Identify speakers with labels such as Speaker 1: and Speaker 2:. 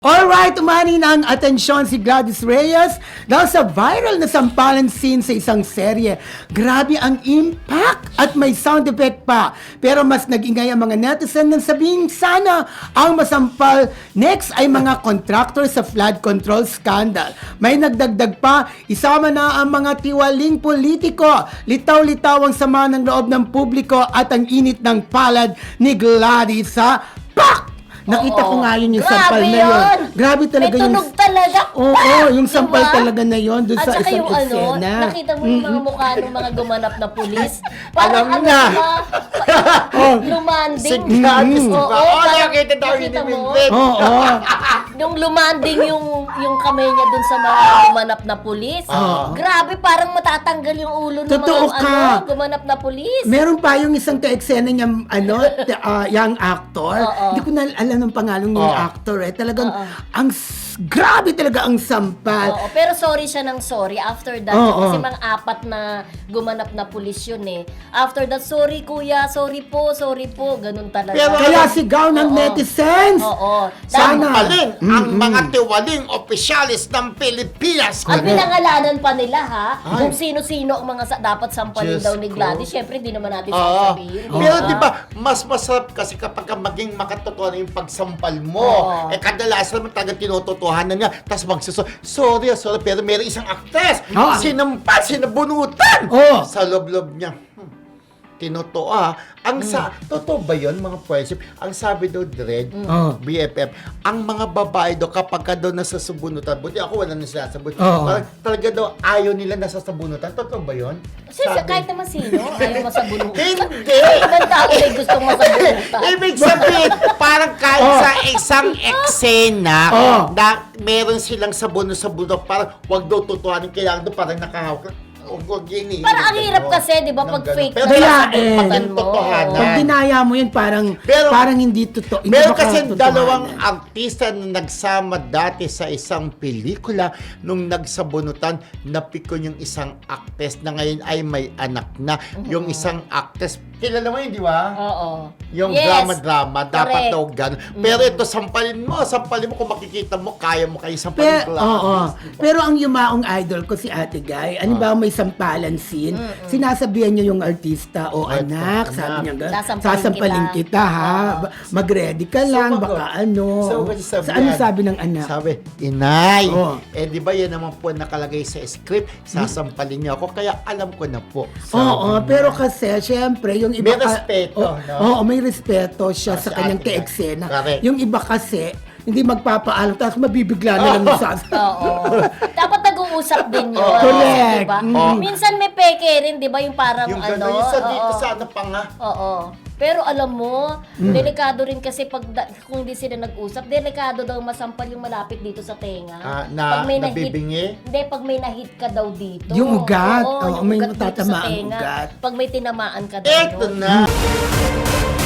Speaker 1: Alright, umani na ang atensyon si Gladys Reyes dahil sa viral na sampalan scene sa isang serye. Grabe ang impact at may sound effect pa. Pero mas nag-ingay ang mga netizen nang sabihin sana ang masampal next ay mga contractor sa flood control scandal. May nagdagdag pa, isama na ang mga tiwaling politiko. Litaw-litaw ang sama ng loob ng publiko at ang init ng palad ni Gladys sa PAK! Nakita ko nga yun yung sampal na yun. Grabe talaga
Speaker 2: may
Speaker 1: yung...
Speaker 2: tunog talaga.
Speaker 1: Oo, yung sampal talaga na yun doon sa
Speaker 2: At saka
Speaker 1: isang
Speaker 2: yung
Speaker 1: eksena.
Speaker 2: nakita mo yung mga mukha ng mga gumanap na pulis. Parang
Speaker 3: Alam na.
Speaker 2: lumanding.
Speaker 3: Si Gladys,
Speaker 2: Oo,
Speaker 3: diba?
Speaker 2: parang
Speaker 3: Nakita daw yun
Speaker 2: nakita
Speaker 3: ni
Speaker 2: mo?
Speaker 3: Vincent.
Speaker 1: Oo.
Speaker 2: Nung lumanding yung kamay niya dun sa mga gumanap na pulis. Grabe, parang matatanggal yung ulo ng
Speaker 1: Totoo
Speaker 2: mga
Speaker 1: ka.
Speaker 2: gumanap na pulis.
Speaker 1: Meron pa yung isang ka-eksena niya, young actor.
Speaker 2: Oo.
Speaker 1: Hindi ko na alam ng pangalan ng actor eh. Talagang, grabe talaga ang sampal.
Speaker 2: Oo, pero sorry siya ng sorry after that. Kasi mga apat na gumanap na pulis yun eh. After that, sorry kuya, sorry po, ganun talaga.
Speaker 3: Pero
Speaker 1: Kaya sigaw ng netizens.
Speaker 2: Oo.
Speaker 1: Sana.
Speaker 3: Sampalin ang mga tiwaling opisyalis ng Pilipinas.
Speaker 2: At pinangalanan pa nila ha, kung sino-sino ang mga dapat sampalin
Speaker 3: Diyos
Speaker 2: daw ni
Speaker 3: ko.
Speaker 2: Gladys. Syempre, di naman natin
Speaker 3: Oo.
Speaker 2: sasabihin.
Speaker 3: Pero di ba, mas masarap kasi kapag ka maging makatotohanan yung pagsampal mo.
Speaker 2: Oo.
Speaker 3: Kadalasan naman talagang tinutotohanan niya. Tapos sorry, pero meron isang actress.
Speaker 1: Oo.
Speaker 3: Sinampa, sinabunutan.
Speaker 1: Oo.
Speaker 3: Sa loob-loob niya. Tinuto totoo ba yun mga friendship? Ang sabi daw Dred, BFF, ang mga babae daw kapag ka daw nasasabunutan, buti ako wala na sinasabunutan. Parang talaga daw ayaw nila nasasabunutan. Totoo ba yun?
Speaker 2: Kahit naman sino, ayaw masabunutan.
Speaker 3: Hindi!
Speaker 2: Ibang tao may gustong masabunutan.
Speaker 3: Ibig sabihin, parang kahit sa isang eksena na meron silang sabunot, parang wag daw tutuhanin, kailangan daw parang nakahawak.
Speaker 2: Parang ang hirap kasi, di ba, pag fake
Speaker 3: Pero
Speaker 1: Kaya,
Speaker 2: pagpatan mo.
Speaker 3: totohanan.
Speaker 1: Pag dinaya mo yun, parang hindi totoo. Hindi
Speaker 3: Meron
Speaker 1: baka
Speaker 3: kasi
Speaker 1: totohanan.
Speaker 3: dalawang artista na nagsama dati sa isang pelikula nung nagsabunutan, napikon yung isang actress na ngayon ay may anak na. Yung isang actress, kilala mo yun, di ba?
Speaker 2: Oo.
Speaker 3: Yung
Speaker 2: Yes.
Speaker 3: drama-drama, dapat
Speaker 2: Correct.
Speaker 3: daw gano'n. Pero ito, sampalin mo kung makikita mo, kaya mo kayo sampalin.
Speaker 1: Pero ang yumaong idol ko si Ate Guy, ano ba may sampalan scene, sinasabihan niya yung artista, anak, sabi niya, sasampalin kita ha, mag-ready ka lang, baka ano. Sa ano sabi ng anak?
Speaker 3: Sabi, inay, di ba yan naman po nakalagay sa script, sasampalin niyo ako, kaya alam ko na po.
Speaker 1: Pero kasi, syempre, yung iba...
Speaker 3: May respeto, no?
Speaker 1: Oo, may respeto siya sa
Speaker 3: si
Speaker 1: kanyang
Speaker 3: Ate Guy.
Speaker 1: ka-eksena.
Speaker 3: Correct.
Speaker 1: Yung iba kasi, hindi magpapaalam, tapos mabibigla na lang yung
Speaker 2: Oo. Dapat nag-uusap din yun.
Speaker 1: Correct.
Speaker 2: Diba? Minsan may peke rin, di ba? Yung parang
Speaker 3: Yung gano'n, yung sa dito sa ano pa nga.
Speaker 2: Oo. Pero alam mo, delikado rin kasi kung hindi sila nag-usap, delikado daw masampal yung malapit dito sa tenga.
Speaker 3: Nabibingi?
Speaker 2: Hindi, pag may nahit ka daw dito.
Speaker 1: Yung ugat.
Speaker 2: Oo,
Speaker 1: Oo,
Speaker 2: yung
Speaker 1: may
Speaker 2: ugat dito sa
Speaker 1: matatama ang
Speaker 2: tenga.
Speaker 1: ugat.
Speaker 2: Pag may tinamaan ka daw.
Speaker 3: Eto
Speaker 2: doon.
Speaker 3: na!